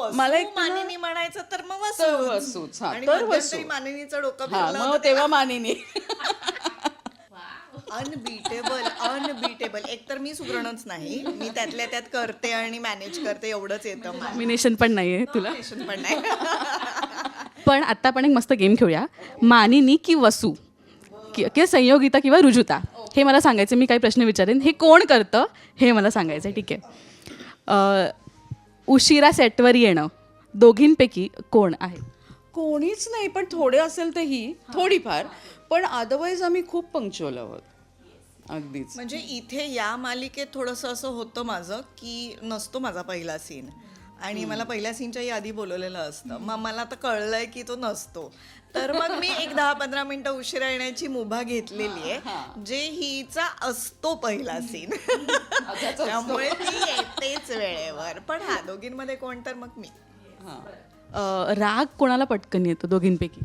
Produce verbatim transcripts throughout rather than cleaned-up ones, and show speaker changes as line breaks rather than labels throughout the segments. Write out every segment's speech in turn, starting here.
मला एक तुला-
मानिनी म्हणायचं तर मग
तर
वसूच.
वसूच, हा,
आणि
तर
मध्यंतरी
वसू.
मानिनीचं डोकं
हा
फिरलं
मग
होतं
तेव्हा मानिनी.
Unbeatable unbeatable. एक तर मी सुगरणच नाही, मी त्यातल्या त्यात करते आणि मॅनेज करते, एवढंच येतं मला.
नॉमिनेशन पण नाही आहे तुला.
Nomination पण नाही.
पण आता आपण एक मस्त गेम खेळूया. मानिनी की वसू कि- किंवा संयोगिता किंवा रुजुता हे मला सांगायचं. मी काही प्रश्न विचारेन, हे कोण करतं हे मला सांगायचं आहे. ठीक आहे. अ, उशिरा सेटवर येणं दोघींपैकी कोण आहे?
कोणीच नाही, पण थोडे असेल तर ही थोडीफार, पण अदरवाईज आम्ही खूप पंक्च्युअल आहोत. अगदीच.
म्हणजे इथे या मालिकेत थोडंसं असं होतं माझं की नसतो माझा पहिला सीन, आणि मला पहिल्या सीनच्याही आधी बोलवलेलं असतं. मग मला आता कळलंय की तो नसतो, तर मग मी एक दहा पंधरा मिनिटं उशिरा येण्याची मुभा घेतलेली आहे, जे हिचा असतो पहिला सीन. त्यामुळे ती येतेच वेळेवर. पण हा, दोघींमध्ये कोण तर मग मी.
हां.
अ, राग कोणाला पटकन येतो दोघींपैकी?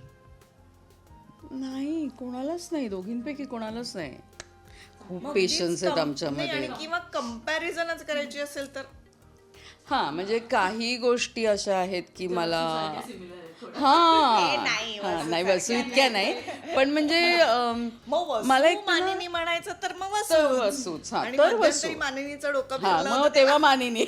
नाही, कोणालाच नाही, दोघींपैकी कोणालाच नाही. खूप
मग
पेशन्स आहेत
कम-
आमच्यामध्ये.
नाही, आणि किंवा कम्पॅरिझनच करायची असेल तर
हा, म्हणजे काही गोष्टी अशा आहेत की मला
हे
हा
नाही,
हा,
वसू
नाही वसू इतक्या नाही, पण म्हणजे अम,
मग वसू
मला एक तुला-
मानिनी म्हणायचं तर मग
तर
वसूच.
वसूच, हा,
आणि
तर
मध्यंतरी
वसू.
मानिनीचं डोकं
हा
फिरलं
मग
होतं
तेव्हा मानिनी.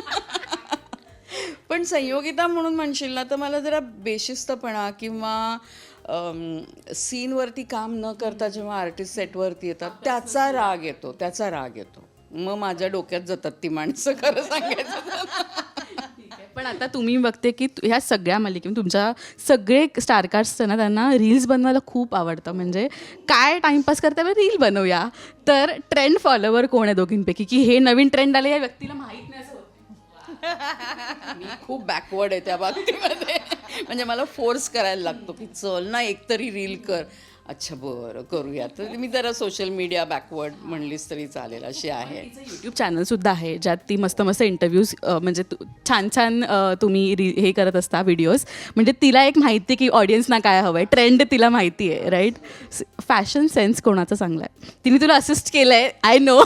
पण संयोगिता म्हणून म्हणशील ना, तर मला जरा बेशिस्तपणा किंवा सीनवरती काम न करता जेव्हा आर्टिस्ट सेटवरती येतात त्याचा राग येतो, त्याचा राग येतो. मग माझ्या डोक्यात जातात ती माणसं, खरं सांगायचं.
पण आता तुम्ही बघते की तु- ह्या सगळ्या मालिकेत तुमच्या सगळे स्टारकास्ट ना, त्यांना रील्स बनवायला खूप आवडतं. म्हणजे काय टाइमपास करता रील बनवूया. तर ट्रेंड फॉलोवर कोण आहे दोघींपैकी, की हे नवीन ट्रेंड आले या व्यक्तीला माहीत नाही असं होतं?
मी खूप बॅकवर्ड आहे त्या बाबतीमध्ये. म्हणजे मला फोर्स करायला लागतो की चल ना एकतरी रील कर. अच्छा बरं करूया. तर मी जरा सोशल मीडिया बॅकवर्ड म्हणलीस तरी चालेल, अशी आहे.
यूट्यूब चॅनलसुद्धा आहे ज्यात ती मस्त मस्त इंटरव्ह्यूज म्हणजे तु- छान छान अ, तुम्ही री हे करत असता व्हिडिओज. म्हणजे तिला एक माहिती आहे की ऑडियन्सना काय हवं आहे, ट्रेंड तिला माहिती आहे, राईट? फॅशन सेन्स कोणाचा चांगला आहे? तिने तुला असिस्ट केलं आहे, आय नो.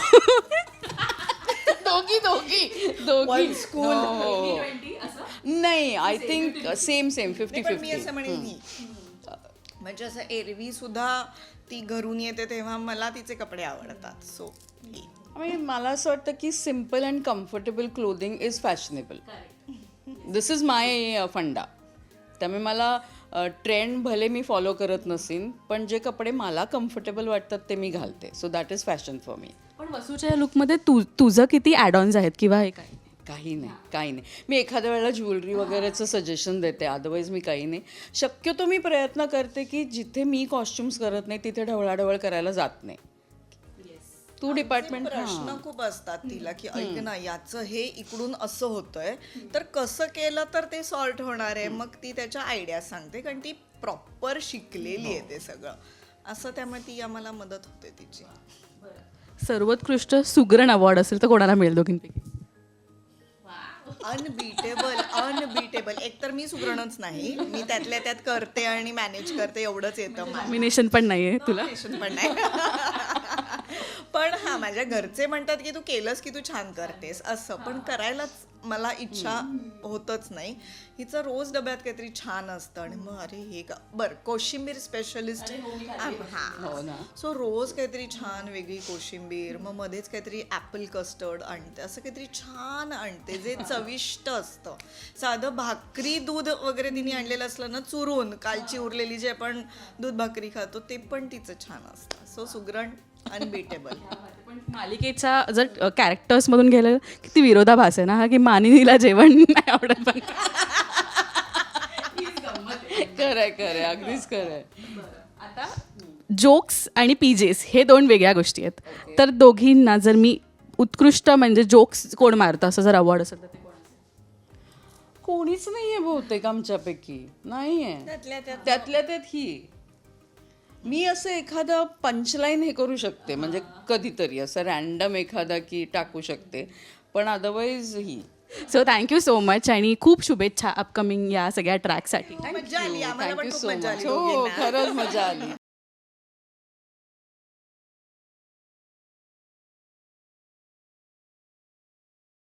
दोघी दोघी दोघी
One school.
हो. नाही, I think same same fifty
नाही, पण मी असं
फिफ्टी.
म्हणेन ही, म्हणजे असं एरवी सुद्धा ती घरून येते तेव्हा मला तिचे कपडे आवडतात. सो
म्हणजे मला असं वाटतं की simple and comfortable clothing is fashionable. This is my funda. त्यामुळे मला ट्रेंड भले मी फॉलो करत नसीन, पण जे कपडे मला कम्फर्टेबल वाटतात ते मी घालते. So that is fashion for me.
पण वसूच्या लुकमध्ये तू तुझं किती ॲडॉन्स आहेत किंवा हे काय?
काही नाही, काही नाही. मी एखाद्या वेळेला ज्वेलरी वगैरेचं सजेशन देते, अदरवाईज मी काही नाही. शक्यतो मी प्रयत्न करते की जिथे मी कॉस्ट्युम्स करत नाही तिथे ढवळाढवळ करायला जात नाही. तू डिपार्टमेंट
प्रश्न खूप असतात तिला की ऐक ना, याचं हे इकडून असं होतंय तर कसं केलं तर ते सॉर्ट होणार आहे. मग ती त्याच्या आयडिया सांगते, कारण ती प्रॉपर शिकलेली आहे ते सगळं असं. त्यामुळे ती आम्हाला मदत होते तिची.
सर्वोत्कृष्ट सुगरण अवॉर्ड असेल तर कोणाला मिळेल दोघींपैकी?
Unbeatable unbeatable. एक तर मी सुगरणच नाही, मी त्यातल्या त्यात करते आणि मॅनेज करते, एवढंच येतं मला.
नॉमिनेशन पण नाही आहे तुला?
पण नाही. पण हा, माझ्या घरचे म्हणतात की तू केलंस की तू छान करतेस असं, पण करायलाच मला इच्छा होतच नाही. हिचं रोज डब्यात काहीतरी छान असतं आणि मग अरे हे का बरं, कोशिंबीर स्पेशलिस्ट
हो ना.
हा. सो रोज काहीतरी छान वेगळी कोशिंबीर, मग मध्येच काहीतरी ॲपल कस्टर्ड आणते, असं काहीतरी छान आणते जे चविष्ट असतं. साधं भाकरी दूध वगैरे तिने आणलेलं असलं ना चुरून, कालची उरलेली जे आपण दूध भाकरी खातो ते पण तिचं छान असतं. सो सुगरण अनबीटेबल.
पण मालिकेच्या जर कॅरेक्टर्समधून गेलं किती विरोधाभास आहे ना हा, की मानिनीला जेवण नाही आवडत. पण
खरंय खरंय, अगदीच खरंय.
आता जोक्स आणि पीजेस हे दोन वेगळ्या गोष्टी आहेत. तर दोघींना जर मी उत्कृष्ट म्हणजे जोक्स कोण मारतं असं जर अवॉर्ड असेल तर ते कोण असेल?
कोणीच नाहीये बहुतेक आमच्यापैकी. नाहीये.
त्यातल्या त्यात
त्यातल्या त्यात ही. मी असं एखादं पंचलाईन हे करू शकते, म्हणजे कधीतरी असं रॅन्डम एखादा की टाकू शकते, पण अदरवाईज ही.
सो थँक्यू सो मच आणि खूप शुभेच्छा अपकमिंग या सगळ्या ट्रॅकसाठी.
मजा आली आम्हाला, पण
थँक्यू
खूप
सो
मजा
मच.
आली
हो,
दोघींना.
खरंच मजा आली.